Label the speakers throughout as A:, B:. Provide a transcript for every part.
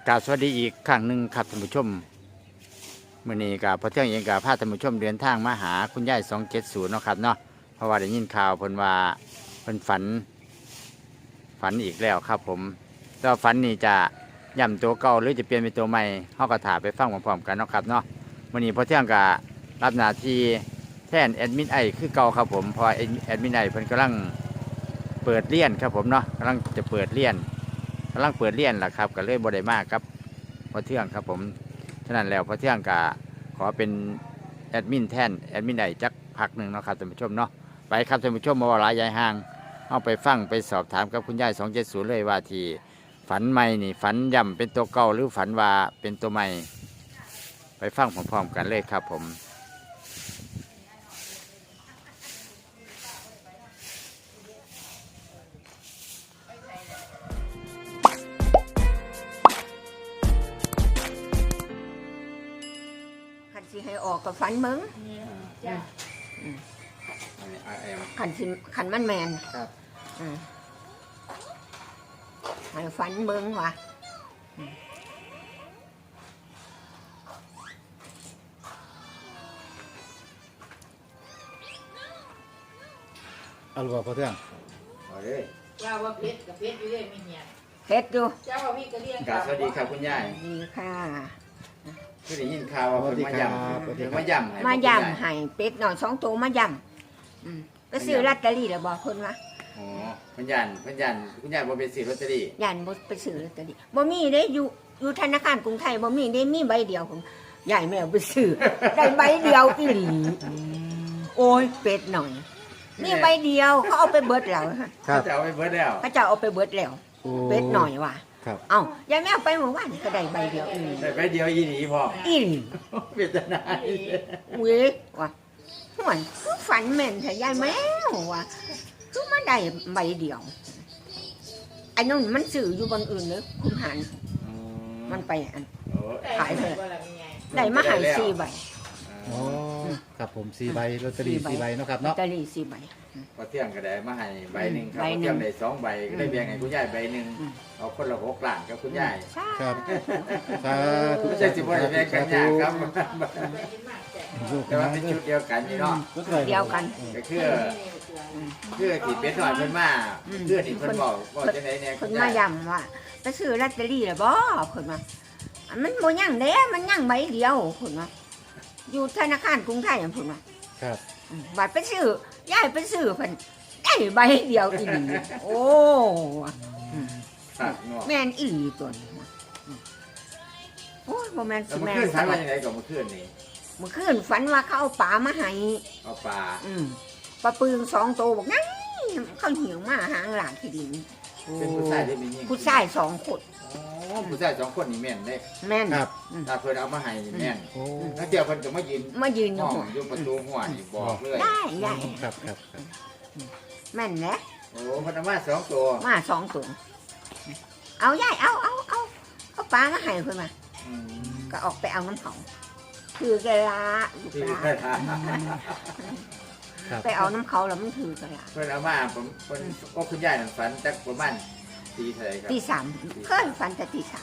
A: กราบสวัสดีอีกครั้งหนึ่งครับท่านผู้ชมมื้อนี้กับพอเที่ยงเองกับพาท่านผู้ชมเดินทางมาหาคุณยาย270เนาะครับเนาะเพราะว่าได้ยินข่าวเพิ่นว่าเพิ่นฝันอีกแล้วครับผมแล้วฝันนี่จะย่ำตัวเก่าหรือจะเปลี่ยนเป็นตัวใหม่เฮาก็ถ่าไปฟังพร้อมๆกันเนาะครับเนาะมื้อนี้พอเที่ยงก็รับหน้าที่แทนแอดมินไอคือเก่าครับผมเพราะแอดมินไอเพิ่นกำลังเปิดเรียนครับผมเนาะกำลังจะเปิดเรียนล่ะครับก็เลยบ่ได้มากครับพอเที่ยงครับผมฉะนั้นแล้วพอเที่ยงก็ขอเป็นแอดมินแทนแอดมินไอจักพักหนึ่งเนาะครับท่านผู้ชมเนาะไปครับท่านผู้ชมมาว่าหลายยายห่างเอาไปฟังไปสอบถามกับคุณยาย270เลยว่าที่ฝันใหม่นี่ฝันย่ำเป็นตัวเก่าหรือฝันว่าเป็นตัวใหม่ไปฟังพร้อมๆกันเลยครับผม
B: สิให้ออกกับฝันมึงขันมันแมน
A: ครับ
B: ให้ฝันมึงว่ะ
C: เอาลูกพอเที่ยง
A: เอาเลย
D: เจ้าว่าเพชรกับเพชรอยู่เรื่อยไม่เหี่ย
B: เฮ็ดดู
D: เจ้าว่าพี่ก็เรียก
A: กราบสวัสดีครับคุณยาย
B: ดีค่ะ
A: คือได้ยินข่าวว่าเพิ่นมาย่ำเพิ่นมาย่ำให้
B: มาย่ำให้เป็ดหน่อย2 ตัวมาย่ำก็ซื้อลอตเตอรี่แล้วบอกคนวะ
A: อ๋อคุณยายคุณยายบ่เป็นซื้อลอตเตอรี่
B: ยันบ่ไปซื้อลอตเตอรี่บ่มีเด้อยู่ธนาคารกรุงไทยบ่มีได้มีใบเดียวผมใหญ่แมวไปซื้อ ได้ใบเดียวอีหลีโอ้ยเป็ดหน่อยมีใบเดียวเขาเอาไปเบิดแล้ว
C: ครับ
A: จะเอาไปเบิดแล้ว
B: เขาจะเอาไปเบิดแล้ว
C: โอ้
B: เป็ดหน่อยว่ะ
C: ครับ
B: เอ้ายายแมวไปเมื่อวานก็ได้ใบเดียวอีหลี
A: ได้ไปเดียวอีหลีพอ
B: อีหลี
A: เป็นจังได๋
B: เว้ยว่ะห่วยคือฝันแม่นแต่ยายแมวว่ะคือมาได้ใบเดียวไอ้นั่นมันสื่ออยู่บนอื่นเลยคุณหันมันไปอัน
A: โอ้
B: ขายเถอะ
D: ว่าอะไรไง
B: ได้มาใหาย4 ใบ
C: อ๋อครับผม4 ใบลอตเตอรี่4 ใบเนาะครับเนาะ
B: ลอตเตอรี่4 ใบ
A: พอเที่ยงก็ได้มาให้ใบหนึงครับ
B: ใบ
A: พอ
B: หนึ่ง
A: เที่ยงได้2 ใบก็ได้แบ่งให้คุณยายใบหนึง
B: อืม
A: เอาคนละ6ล้านกับคุณยาย
B: ใช่
C: ครับสาธุ
A: ไม่ใช่สิบ่ได้แบ่งกันยากครับ
D: ได้ยินมากแต่
A: แต่ว่าเป็นชุดเดียวกันนี่เนาะ
B: เดียวกัน
A: ก็คือที่เป็ดน้อยเพิ่นมาคือที่เพิ่นบอกจังได๋เนี่ย
B: คนมาย้ำว่าไปซื้อลอตเตอรี่แล้วบ่คนว่าอันมันบ่ยังเด้มันยังใบเดียวคนว่าอยู่ธนาคารกรุงไทยอันเพิ่นว่า
C: ครับ
B: บัดไปซื้อยายไปซื้อเพิ่นได้ใบเดียวอีหลีโอ้
A: ครับเนาะ
B: แม่นอีหลีตัวนี้โอ้ยบ่แม่น
A: แล้ว
B: สิ
A: เมื่อ
B: แม่น
A: คืน
B: ส
A: ฝัน
B: วั
A: ว่า
B: ส
A: จังไดก็เมื่อคืนนี่
B: เมื่อคืนฝันว่าเขาเอาปลามาให้
A: เอาปลา
B: ปลาปึง2 ตัวบอกนั่นเขาหิวมาหางหลานที่ดิน
A: เป็นผู้ชายได้มียิ่ง
B: ผู้ชาย2 คน
A: อ๋อผู้ชาย2 คนนี่แม่นเด้
B: แม่น
C: ครับ
A: ถ้าเพิ่นเอามาให้นี่แม่น
C: โอ้
A: แล้วเดี๋ยวเพิ่นก็มายืน
B: มายืนอ
A: ห้
B: ยู่
A: องอยู่ประตูหัวนี่บอกเลย
B: ได้ได้
C: ครับครับครับ
B: แม่นแหละ
A: โอ้เพิ่นเอามา2 ตัว
B: มา2 ตัวเอายายเอาปลามาให้เพิ่นมา
A: อืม
B: ก็ออกไปเอาน้ำเขาถือกะลาลูก
A: ที่
B: หลาน
C: ครับ
B: ไปเอาน้ำเขาแล้วมันถือกะลา
A: เพิ่นเอามาผมเพิ่นก็คุณยายนั่นฝันจักประมาณตีเท่าไหร่ครับ
B: ตี 3เคยฝันแต่ตี 3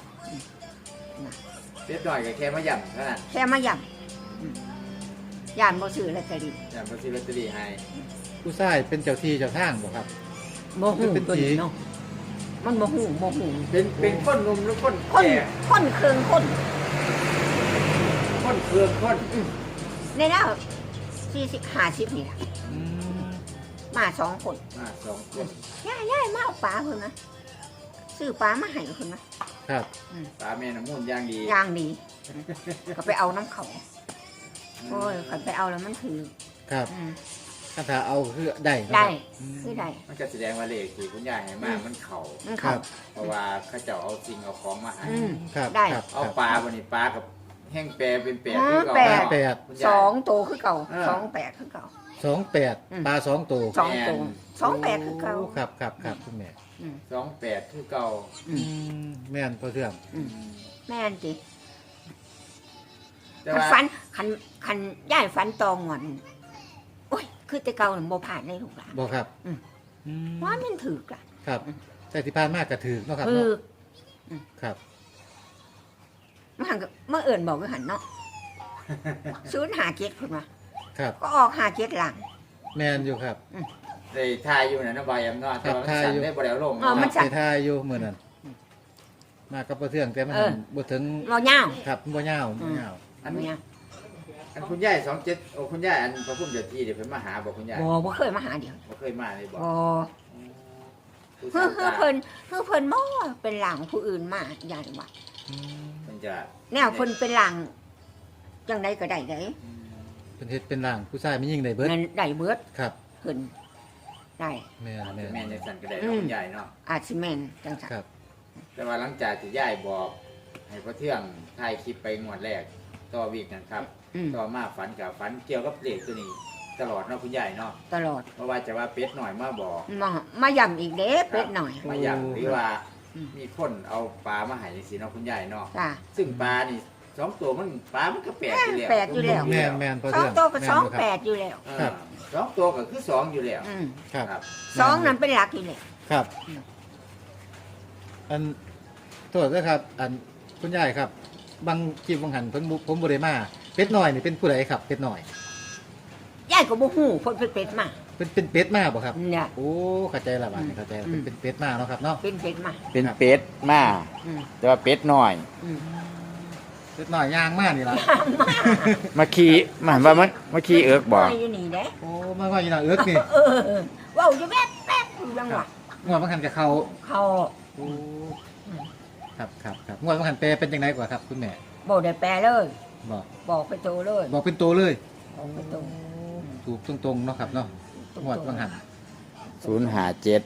A: เล็กน้อยก็แค่มาย่ำเท่านั้น
B: แค่มาย่ำย่านบ่ซื้อลอตเตอรี่
A: ย่ำบ่ซื้อลอตเตอรี่ให้
C: ผู้ชายเป็นเจ้าที่เจ้าทางบ่ครับ
B: บ่ฮู้
C: เป็น
B: ตัว
C: ผี
B: นี้เนาะมันบ่ฮู้
A: เป็นคนหนุ่มหรือคน
B: คน
A: แก่
B: คนเครื่องคน
A: คนเครื่องคน
B: ในแล้ว40 50นี่ล่ะ
C: อืม
B: มา2 คน
A: มา2 คน
B: ยายมาเอาปลาเพิ่นนะซื้อปลามาให้เพิ่นนะครับ
A: ปลาแม่น้ำมูลอย่างดี
B: อย่างดีก็ไปเอาน้ำเขาโอ้ยก็ไปเอาแล้วมันถือ
C: ครับ
B: อืม
C: ถ้าเอาคือได้เนาะ
B: ได้
C: อืม
B: คือได้
A: มันก็แสดงว่าเลขที่คุณยายให้มามันเข้า
B: มัน
C: ครั
B: เขา
C: บ
A: เพราะว่าเขาเจ้าเอาสิ่งเอาของมาให้
B: อืม
C: ครับ
B: ได้
C: ครับ
A: เอา
C: ครับ
A: ปลาวันนี้ปลากับแห้งแปรเป็นแปร
B: อ๋อ
A: คือเก่า
B: แปร
A: เนาะ
C: แปด
A: คุณ
B: ส
A: ยาย
B: องตัวคือเก่า
A: เออ
B: 28คือเก่า
C: 28ปลา2 ตัว
B: สองตัว28คือเก่า
C: โครับครับครับคุณแม่
A: 28คือเก่า
B: อืม
C: แม่นพอเที่ยง
B: แม่นจิ
A: แต่
B: คัน
A: ว่า
B: ฝันคันย่ายฝันตองหวนโอ้ยคือแต่เก่าน่ะบ่ผ่านในลูกหลาน
C: บ่ครับ
B: อืม
C: อืม
B: ว่ามันถือกล่ะ
C: ครับ แต่ที่ผ่านมากก็ถือเนาะครับ
B: ถือ
C: เนาะครับ
B: มันก็เมื่อเอิ่นบอกว่าหันเนาะศูนย์หาเจ็ดคุณมา
C: ครับ
B: ก็ออกหาเจ็ดหลัง
C: แมนอยู่ครับ
A: ได้ทายอยู่นะน้องใบอำนาจแต่ว่ามันสั่นได้บ่ได้เอาลง
B: มัน
C: ไปทายอยู่มื้อนั้นมากับบ่เทื่องแต่มันบ่ถึง
B: เราเงา
C: ครับบ่ยาวบ่ยาว
A: อัน
B: เงา
A: อันคุณยาย27โอ้คุณยายอันพระพุ่มเจ้าที่เดี๋ยวเพิ่นมาหาบอกคุณยาย
B: บ่เคยมาหาเดียว
A: บ่เคยมาเลยบอก
B: บ่
A: ผู้
B: เฮ้
A: สา
B: อ
A: ว
B: เพิ่นเฮ้อเพิ่นบ่เป็นหลังผู้อื่นมาใหญ่ว่า
A: เพิ่นจะ
B: แนวเพิ่นเป็นหลังจังไดก็ได้เด้
C: เป็นเฮ็ดเป็นร่างผู้ชายไม่ยิ่งได้เบิด
B: นั่นได้เบิด
C: ครับ
B: เพิ่นได้
C: แม่นแม่น
A: แม่นจังซั่นก็ได้เนาะคุณยายเนาะ
B: อาจสิแม่นจังซั่น
C: ครับ
A: แต่ว่าหลังจากที่ยายบอก ให้พ่อเทื่องถ่ายคลิปไปงวดแรกต่อวีกนั่นครับ
B: อืม
A: ต่อมาฝันกับฝันเกี่ยวกับเลขตัวนี้ ตลอดเนาะคุณยายเนาะ
B: ตลอด
A: เพราะว่าจะว่าเป็ดหน่อยมาบอก
B: มาย่ำอีกเด้เป็ดหน่อย
A: มาอย่างหรือว่า
B: อืม
A: มีคนเอาปลามาให้จังซี่เนาะคุณยายเนาะ
B: จ้ะ
A: ซึ่งปลานี่สองตัวมันปลามันก็แปลกอยู่แล้ว
B: แปลกอยู่แล้ว
C: แม่นแม่นพอ
B: สอ
C: เทื่
B: ง
C: อง
B: ตัวก็
C: แม่น
B: สอง
C: ยู่ครับ
B: แปดอยู่แล้ว
C: ครับ
A: สองตัวก็คือสองอยู่แล้ว
B: อืม
C: ครับ
A: ครับ
B: สองนั้นเป็นหลักอยู่แล้ว
C: ครับ
B: อืม
C: อันโทษนะครับ อันคุณยายครับ บางคลิปบางหันเพิ่นบ่ผมบ่ได้มาเป็ดน้อยนี่เป็นผู้ใดครับเป็ดน้อย
B: ยายก็บ่ฮู้เพิ่นเป็นเป็ดมา
C: เป็นเป็ดมาบ่ครับ
B: เนี่ย
C: โอ้เข้าใจและบาดนี้เข้าใจแล้ว
B: อืม
C: เป็นเป็ดมาเนาะครับเนาะ
B: เป็นเป็ดมา
A: เป็นเป็ดมา
B: อืม
A: แต่ว่าเป็ดน้อย
B: อืม
C: เป็ดน้อยย่างมานี่ล่ะ
A: มาขี่มาว่ามันมาขี่เอิกบอก
B: มาอยู่นี่เด้
C: โอ้มาว่าอยู่น่ะเอิกนี่
B: เออเว้าอยู่แป๊บๆอยู่จังหวะ
C: งวดบางหันกับเขา
B: เขา
C: โอ้ครับครับครับงวดบางหันแปลเป็นจังไดกว่าครับคุณแม่
B: บ่ได้แปลเลย
C: บอก
B: บอกไปโตเลย
C: บอกเป็นตัวเลย
B: บอกไปโต
C: ถูกตรงๆเนาะครับเนาะงวดบางหัน
A: 057
B: ศูนย์หาเจ็ด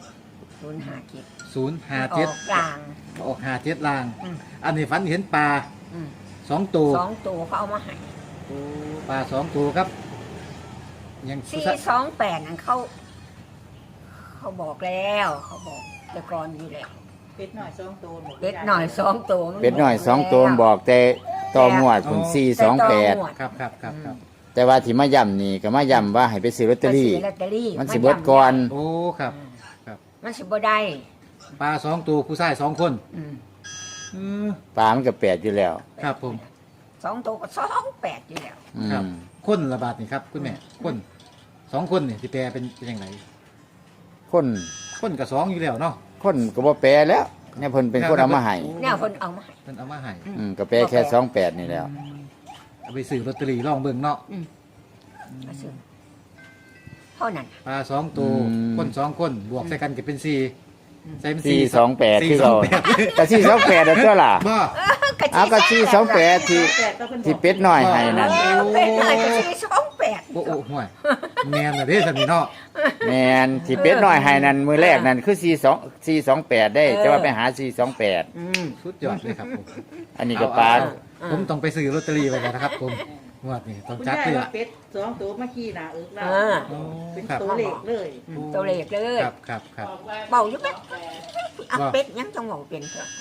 C: 057
B: ออกกลาง
C: ออก57ลาง
B: อืม
C: อันนี้ฝันเห็นปลา
B: อืม
C: 2ตัว
B: สองตัวเขาเอามาให้
C: โอ้ปลา2ตัวครับ ยังผู้ชาย
B: 428นั่นเขาบอกแล้ว เขาบอกแต่ก่อนอยู่แล้ว
D: เป็ดหน่อยสองตัวหมด
B: เป็ดหน่อยสองตัวมั
A: เป็ดน้อยสองตัวบอกแต่ต่อหมวดคุณ
B: แต่ต่อหมว
A: 428
B: ด
C: ครับครับครับครับ
A: แต่ว่าที่มาย่ำนี่ก็มาย่ำว่าให้ไปซื้อลอตเตอรี่
B: ไปซื้ลอตเตอรี่
A: มันสิเบิดก่อน
C: โอ้ครับ
B: มันสิบ่ได้
C: ปลา2ตัวผู้ชาย2คน
B: อืม
C: อือ
A: ปลามันก็แปดอยู่แล้ว
C: ครับผม
B: สองตัวก็28อยู่แล้ว
A: อื
C: ครับ
A: ม
C: คนละบาทนี่ครับคุณแม่คน2คนนี่สิแปลเป็นยังไง
A: คน
C: คนกับ2อยู่แล้วเนาะ
A: คนก็บ่แปลแล้วเนี่ยเพิ่นเป็นคนเอามาให้
B: แนวคนเอามาให้
C: เพิ่นเอามาให้
A: ก็แปลแค่28นี่แล้ว
C: เอาไปซื้อลอตเตอรี่ลองเบิ่งเนาะ
B: มาซื้อเท่านั้น
C: ปลา2ตัวคน2คนบวกใส่กันก็เป็น4ใส่เป็น
A: 428คือ
C: 4
A: เรา
C: 28
A: แต่428แล้วตัวล่ะ
C: บ่
A: เอาก็428ที่
D: แปดก็เป็น
A: ที่เป็ดน้อยให้นั่น
B: เป็นหน่อยก็428
C: โอ้โอ้ห่วยแม่นน่ะเด้ซั่นนี่เนาะ
A: แม่นที่เป็ดน้อยให้นั่นมื้อแรกนั่นคือ428ได้แต่ว่าไปหา428
B: อืม
C: สุดยอดเลยครับผม
A: อันนี้ก็ปลา
C: ผมต้องไปซื้อลอตเตอรี่ไว้แล้วนะครับผมงวดนี้ต้อง
D: คุณ
C: จัด
D: ยาย
C: เลย
D: ว่า
C: ล่ะ
D: เป็ดสองตัวเมื่อกี้น่ะแล้ว
B: เออ
D: เป็น
C: ครับ
D: ตัวเล็กเลย
B: ตัวเล็กเลย
C: ครับครับครับ
B: เบาอยู่แป๊บเอาเป็ดยังจังหวะเป็นเถอะ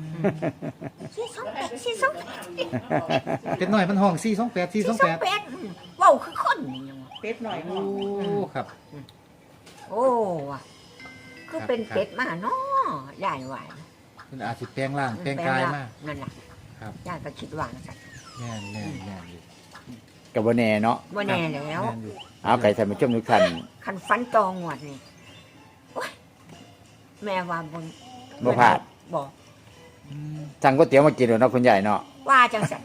B: 428
C: เป็นหน่อยมันห้อง428 428
B: เว้าคือคนนี่ยังวะ
D: เป็ดหน่อยห้
C: โอ้
D: อง
C: ครับ
B: โอ้ว่ะคือเป็นเป็ดมาเนาะยายว่า
C: มันอาจสิแปลงร่างแปลงกายมา
B: นั่นล่ะ
C: ครับ
B: ยายก็คิดว่าจังซั่น
C: แม่นแม่นแม่นอยู่
A: ก็บ่แน่เนาะ
B: บ่แน่แล้ว
C: ม่นอยู่
A: เอาไก่ท่านผู้ชมทุกท่าน
B: คันฟันตองหวดนี่โอ๊ยแม่ว่าบน
A: บ่พลาด
B: บอก
C: อืม
A: สั่งก๋วยเตี๋ยวมากินเนาะคุณยายเนาะ
B: ว่าจังสัน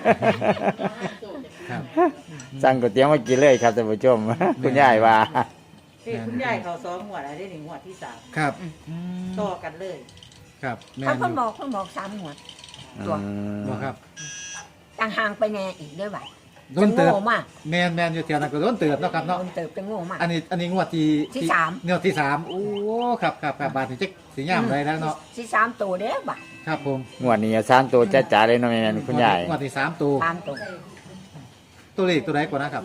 C: ครับ
A: สั่งก๋วยเตี๋ยวมากินเลยครับท่านผู้ชม คุณยายว่า
D: เฮ้ยคุณยายเขาซ้อมหัวอะไรได้หนึ่งหัวดที่สาม
C: ครับ
D: ต่อกันเลย
C: ครับแม่
B: เขา
C: นอ
B: เพิ่น
C: ยู่
B: บอกเพิ่นบอก3หวด ตัว
C: บ่ครับ
B: ต่างห่างไปแน่อีกเด้อบัด
C: โดนเติบ
B: โง่มาก
C: แม่นแม่นอยู่แถวนั้นก็โดนเติบเนาะครับเนาะ
B: โดนเติบจะโง่มาก
C: อันนี้งวดที่
B: ที่สาม
C: งวดที่3โอ้ครับครับครับบาทนี่จักสิยามได้แล้วเนาะ
B: สิ3ตัวเด้อบัด
C: ครับผม
A: งวดนี้สามตัวจ้าๆเลยเนาะแม่นคุณยาย
C: งวดที่3ตัว
B: 3ตัว
C: ตัวเลขตัวใดกว่านะครับ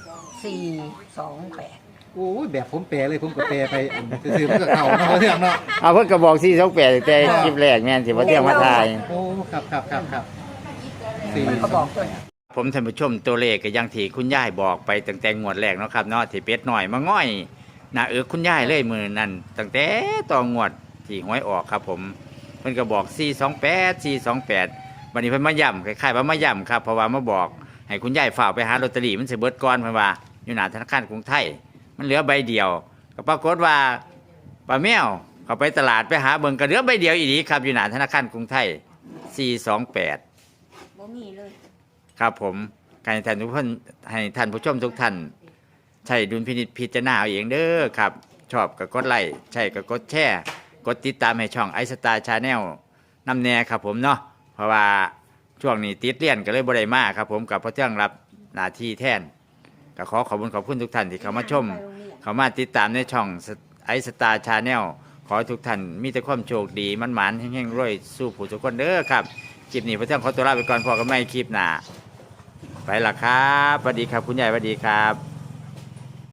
B: 428
C: โอ้ยแบบผมแปลเลยผมก็แปลไปอันซื่อๆมันก็เข้าเนาะเรื่องเนาะ
A: เอาเพิ่นก็บอก428แต่คลิปแรกแม่นสิบ่เที่ยงมาถ่าย
C: โอ้ครับครับครับครับสี่
B: มันก็บอกตัวนี้
A: ผมท่านผู้ชมตัวเลขก็อยังที่คุณยายบอกไปตั้งแต่งวดแรกเนาะครับเนาะที่เป็ดหน่อยมาง่อยหน้าคุณยายเลยมือนั่นตั้งแต่ต่องวดที่หวยออกครับผมเพิ่นก็บอก428 วันนี้เพิ่นมาย่ำคล้ายๆว่ามาย่ำครับเพราะว่ามาบอกให้คุณยายฝากไปหาลอตเตอรี่มันสิเบิดก่อนเพิ่นว่าอยู่หน้าธนาคารกรุงไทยมันเหลือใบเดียวก็ปรากฏว่าป้าแมวเขาไปตลาดไปหาเบิ่งก็เหลือใบเดียวอีหลีครับอยู่หน้าธนาคารกรุงไทย428
B: บ่มีเลย
A: ครับผมการให้ท่านทุกคนให้ท่านผู้ชมทุกท่านใช้ดุลพินิจพิจารณาเอาเองเด้อครับชอบก็กดไลค์ใช่ก็กดแชร์กดติดตามให้ช่องไอสตาร์ชาแนลนำแน่ครับผมเนาะเพราะว่าช่วงนี้ติดเรียนก็เลยบ่ได้มาครับผมกับพระเที่ยงรับหน้าที่แทนก็ขอบคุณทุกท่านที่เข้ามาชมเข้ามาติดตามในช่องไอสตาร์ชาแนลขอให้ทุกท่านมีแต่ความโชคดีมันหมานๆแห่งๆรวยสู้ผู้ทุกคนเด้อครับคลิปนี้พระเที่ยงขอตัวลาไปก่อนพอกันใหม่คลิปหน้าไปละครับสวัสดีครับคุณยายสวัสดีครับ